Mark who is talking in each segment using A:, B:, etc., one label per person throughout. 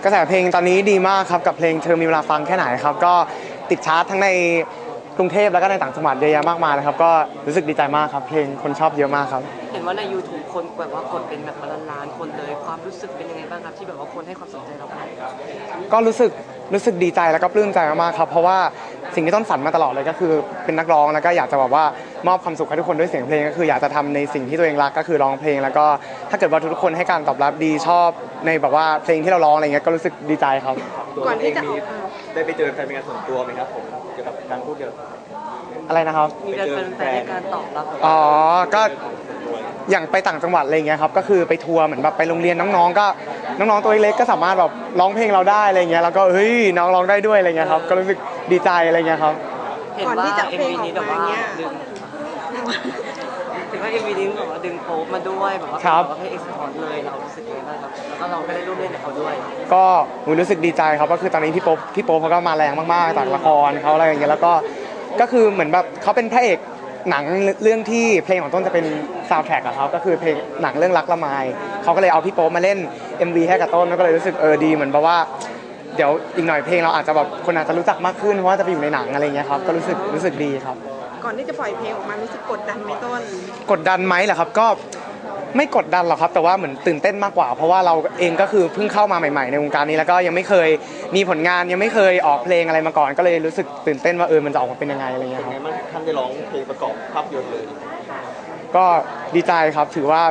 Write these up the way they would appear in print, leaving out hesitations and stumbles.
A: กระแสเพลงตอนนี้ดีมากครับกับเพลงเธอมีเวลาฟังแค่ไหนครับก็ติดชาร์ตทั้งในกรุงเทพแล้วก็ในต่างจังหวัดเยอะแยะมากมายเลยครับก็รู้สึกดีใจมากครับเพลงคนชอบเยอะมากครับ
B: เห็นว่าใน YouTube คนแบบว่ากดเป็นแบบล้านคนเลยความรู้สึกเป็นยังไงบ้างครับที่แบบว่าคนให้ความสนใจเรา
A: ก็รู้สึกดีใจแล้วก็ปลื้มใจมากๆครับเพราะว่าสิ่งที่ต้นฝันมาตลอดเลยก็คือเป็นนักร้องแล้วก็อยากจะแบบว่ามอบความสุขให้ทุกคนด้วยเสียงเพลงก็คืออยากจะทำในสิ่งที่ตัวเองรักก็คือร้องเพลงแล้วก็ถ้าเกิดว่าทุกคนให้การตอบรับดีชอบในแบบว่าเพลงที่เราร้องอะไรเงี้ยก็รู้สึกดีใจครับ
C: ก่อนที่จะได้ไปเจอแฟนเป็นการส่วนตัวไหมครับผมเกี่ยวกับการพูดเกี่ยวกับ
A: อะไรนะครับ
B: มีแฟนในการตอบรับ
A: ก็อย่างไปต่างจังหวัดอะไรเงี้ยครับก็คือไปทัวร์เหมือนแบบไปโรงเรียนน้องๆก็น้องๆตัวเล็กก็สามารถแบบร้องเพลงเราได้อะไรเงี้ยแล้วก็เฮ้ยน้องร้องได้ด้วยอะไรเงี้ยครับก็รู้สึกดีใจอะไรเงี้ยครับ
B: ก่อนที่จะเพลงออกมาเนี้ยถึงว่า MV นี้แบบว่าดึงโป๊ปมาด้วยแบบว่าให้เอ็กซ์พอร์ตเลยเรารู้สึกยังไงบ้างครับแล้วก็เราก็ได้ร่วมเล่นกับเขาด้วย
A: ก็รู้สึกดีใจครับก็คือตอนนี้พี่โป๊ปเขาก็มาแรงมากๆจากละครเขาอะไรอย่างเงี้ยแล้วก็คือเหมือนแบบเขาเป็นพระเอกหนังเรื่องที่เพลงของต้นจะเป็นซาวด์แทร็กอะครับก็คือเพลงหนังเรื่องรักละไมเขาก็เลยเอาพี่โป๊ปมาเล่น MV ให้กับต้นแล้วก็เลยรู้สึกดีเหมือนแบบว่าเดี๋ยวอีกหน่อยเพลงเราอาจจะแบบคนอาจจะรู้จักมากขึ้นเพราะว่าจะไปอยู่ในหนังอะไรเงี้ยครับก็รู้สึกดีครับ
C: ก่อนที่จะปล่อยเพลงออกมารู้สึกกดดันไหมต้น
A: กดดันไหมเหรอครับก็ไม่กดดันหรอกครับแต่ว่าเหมือนตื่นเต้นมากกว่าเพราะว่าเราเองก็คือเพิ่งเข้ามาใหม่ๆในวงการนี้แล้วก็ยังไม่เคยมีผลงานยังไม่เคยออกเพลงอะไรมาก่อนก็เลยรู้สึกตื่นเต้นว่ามันจะออกมาเป็นยังไงอะไรเงี้ยครับ
C: ท่านได้ร้องเพลงประกอบภาพยนตร์เลย
A: ก็ดีใจครับถือว่า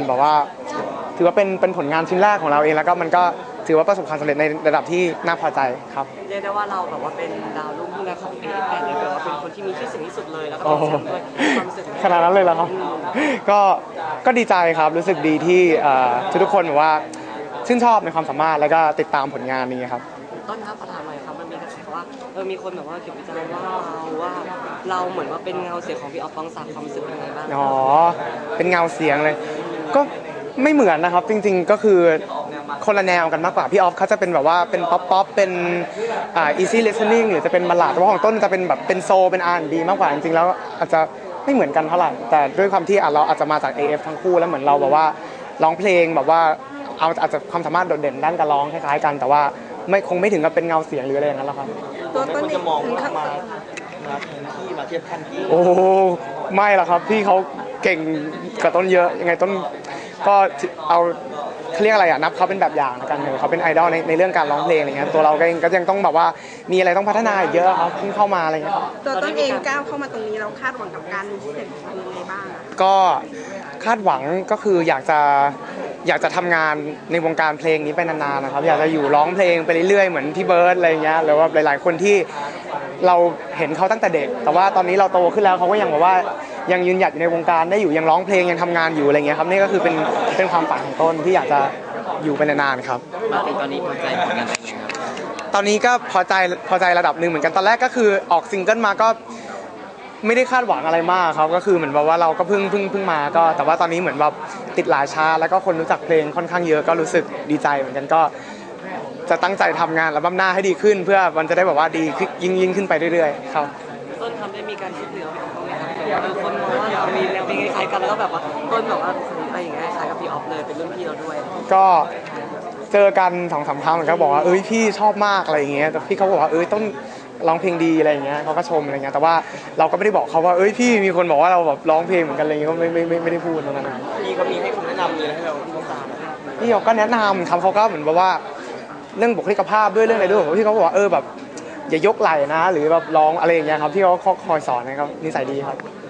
A: เป็นผลงานชิ้นแรกของเราเองแล้วก็มันก็ถือว่าประสบความสำเร็จในระดับที่น่าพอใจครับ
B: เรียกได้ว่าเราแบบว่าเป็นดาวรุ่งพุ่งของAF8เลยแบบว่าเป็นคนที่มีชื่อเสียงที่สุดเลยแล้วก็เป็นแชมป์ด้วยความรู้สึก
A: ขนาดนั้นเลยเหรอครับก็ดีใจครับรู้สึกดีที่ทุกคนแบบว่าชื่นชอบในความสามารถแล้วก็ติดตามผลงานนี้ครับ
B: ต้นครับประธานหน่อยครับมันมีกระแสว่ามีคนแบบว่าเขียนวิจารณ์ว่าเราเหมือนว่าเป็นเงาเสียงของพี่ออฟปองศักดิ์ความรู้สึกยังไงบ้าง
A: เป็นเงาเสียงเลยก็ไม่เหมือนนะครับจริงๆก็คือคนละแนวกันมากกว่าพี่ออฟเขาจะเป็นแบบว่าเป็นป๊อปเป็นeasy listening หรือจะเป็นบัลลาดแต่ว่าของต้นจะเป็นแบบเป็นโซเป็น R&B มากกว่าจริงๆแล้วอาจจะไม่เหมือนกันเท่าไหร่แต่ด้วยความที่เราอาจจะมาจาก AF ทั้งคู่แล้วเหมือนเราแบบว่าร้องเพลงแบบว่าอาจจะความสามารถโดดเด่นด้านการร้องคล้ายๆกันแต่ว่าคงไม่ถึงกับเป็นเงาเสียงหรืออะไรอย่างนั้นหรอกครับ
C: ตัวต้น
A: จะ
C: มอง
A: มา
C: ที่มาเทียบขั้นที่
A: ไม่หรอกครับพี่เขาเก่งกว่าต้นเยอะยังไงต้นก็เอาเขาเรียกอะไรนับเขาเป็นแบบอย่างกันเลยเขาเป็นไอดอลในเรื่องการร้องเพลงอะไรเงี้ยตัวเราเองก็ยังต้องแบบว่ามีอะไรต้องพัฒนาอีกเยอะครับเพิ่งเข้ามาอะไรเงี้ย
C: ตัวต้นเองก้าวเข้ามาตรงนี้เราคาดหวังกับการมีเสียงยังไงบ้าง
A: ก็คาดหวังก็คืออยากจะทำงานในวงการเพลงนี้ไปนานๆนะครับอยากจะอยู่ร้องเพลงไปเรื่อยๆเหมือนพี่เบิร์ดอะไรเงี้ยหรือว่าหลายๆคนที่เราเห็นเขาตั้งแต่เด็กแต่ว่าตอนนี้เราโตขึ้นแล้วเขาก็ยังแบบว่ายังยืนหยัดอยู่ในวงการได้อยู่ยังร้องเพลงยังทำงานอยู่อะไรเงี้ยครับนี่ก็คือเป็นความฝันของต้นที่อยากจะอยู่ไปนานๆครับ
B: มาถึงตอนนี้พอใจผลงานตัวเองครับ
A: ตอนนี้ก็พอใจระดับหนึ่งเหมือนกันตอนแรกก็คือออกซิงเกิลมาก็ไม่ได้คาดหวังอะไรมากครับก็คือเหมือนแบบว่าเราก็เพิ่งมาก็แต่ว่าตอนนี้เหมือนแบบติดหลายชาแล้วก็คนรู้จักเพลงค่อนข้างเยอะก็รู้สึกดีใจเหมือนกันก็จะตั้งใจทำงานอัลบั้มหน้าให้ดีขึ้นเพื่อมันจะได้แบบว่าดียิ่งขึ้นไปเรื่อยๆครับ
B: ต้นทำได้มีการคิดเหนือพี่ออฟบ้างไหมครับคนมองว่าเรามีแนวเพลงคล้ายกันแล้วก็แบบว่าต้นแบบว่าอะไรอย่างเงี้ยคล้ายกับพี่ออฟเลยเป็นรุ่นพี่เราด้วย
A: ก็เจอกัน2-3 ครั้งเหมือนกันบอกว่าพี่ชอบมากอะไรอย่างเงี้ยแต่พี่เขาบอกว่าต้นร้องเพลงดีอะไรอย่างเงี้ยเขาก็ชมอะไรเงี้ยแต่ว่าเราก็ไม่ได้บอกเขาว่าพี่มีคนบอกว่าเราแบบร้องเพลงเหมือนกันอะไรเงี้ยก็ไม่ได้พูดตรงนั้นนะ
C: พี่เขามีให้คำแนะนำมีอะไรให้เราตาม
A: พี่เขาก็แนะนำเขาก็เหมือนแบบว่าเรื่องบุคลิกภาพด้วยเรื่องอะไรด้วยพี่เขาบอกว่าแบบอย่ายกไหล่นะหรือแบบร้องอะไรอย่างเงี้ยครับพี่เขาคอยสอนนะครับนิสัยดีครับ